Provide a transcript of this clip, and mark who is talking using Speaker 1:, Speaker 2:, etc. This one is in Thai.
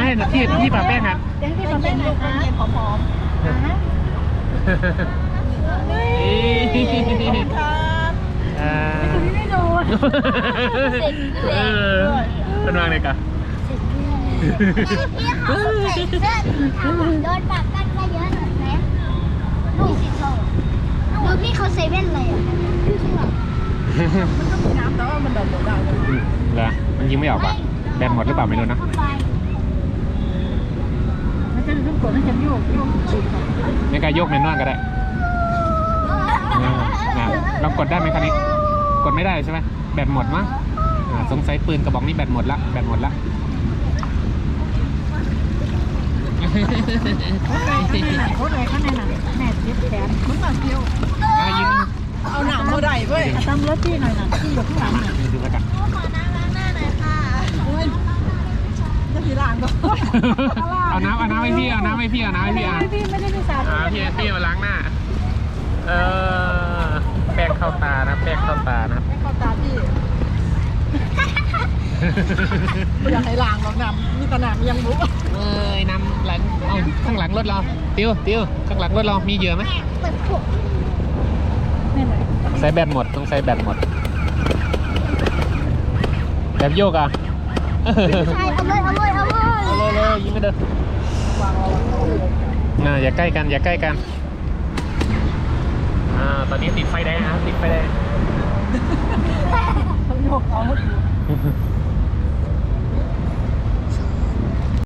Speaker 1: ให้ที่ปะแป้งครับ
Speaker 2: เดี๋ยวให้พี่ปะแป้งหน่อยครับหอมๆครับ คนนี้ไม่โดน
Speaker 1: เป็นวางเลยกะ
Speaker 3: พี่เขาใส่เสื้อสีขาวโดนปากกันมาเยอะหน่อยไหมดูสิโซ่ดูพี่เขาใส่แว่นเลยอ่ะพี่เขาแบบ
Speaker 2: มันก็มีน้ำแต่ว่ามันดำได้เลย
Speaker 1: เหรอมันยิงไม่ออกอ่ะแบนหมดหรือเปล่าไม่รู้นะ
Speaker 2: มันจะต้องกดมันจะโยกฉีก
Speaker 1: ในการยกแมนนวลก็ได้เรากดได้ไหมคันนี้กดไม่ได้ใช่ไหมแบตหมดมั้งสงสัยปืนกระบอกนี้แบตหมดละแบตหมดละ
Speaker 2: เขาเลยข้างในหนังแม่เย็บแขนมันมาเดียว
Speaker 1: ยิง
Speaker 2: เอาหนังเขาได้เว้ยทำรถที่หน่อยนะที่อยู่ข้างหลังน่ะ
Speaker 1: ดูแล้วกัน
Speaker 3: ขอน้ำล้างหน้าหน่อยค่ะ
Speaker 2: โอ้ยจะสีล้างก็
Speaker 1: เอาน้ำให้พี่เอาน้ำให้พี่เอาน้ำให้พี่อ่ะ
Speaker 2: พี่ไม่ได้ไปสาด
Speaker 1: พี่มาล้างหน้าแป้งเข้าตานะแป้งเข้าตานะครับ
Speaker 2: ไม่เข้าตาพี่อยากให้ล้างหรอกน้ำมีตะหนักยังรู้
Speaker 1: น้ำหลังเอาข้างหลังรถเราติวข้างหลังรถเรามีเหยื่อไหม
Speaker 3: เปิดผม
Speaker 2: นี่เลย
Speaker 1: ใส่แบตหมดต้องใส่แบตหมดแบบโยกอ่ะ
Speaker 3: ใช่เอาเลย
Speaker 1: ยิงไม่เด้ออย่าใกล้กันตอนนี้ติดไฟแดงครับติดไฟแดง
Speaker 2: เขาโยกเอา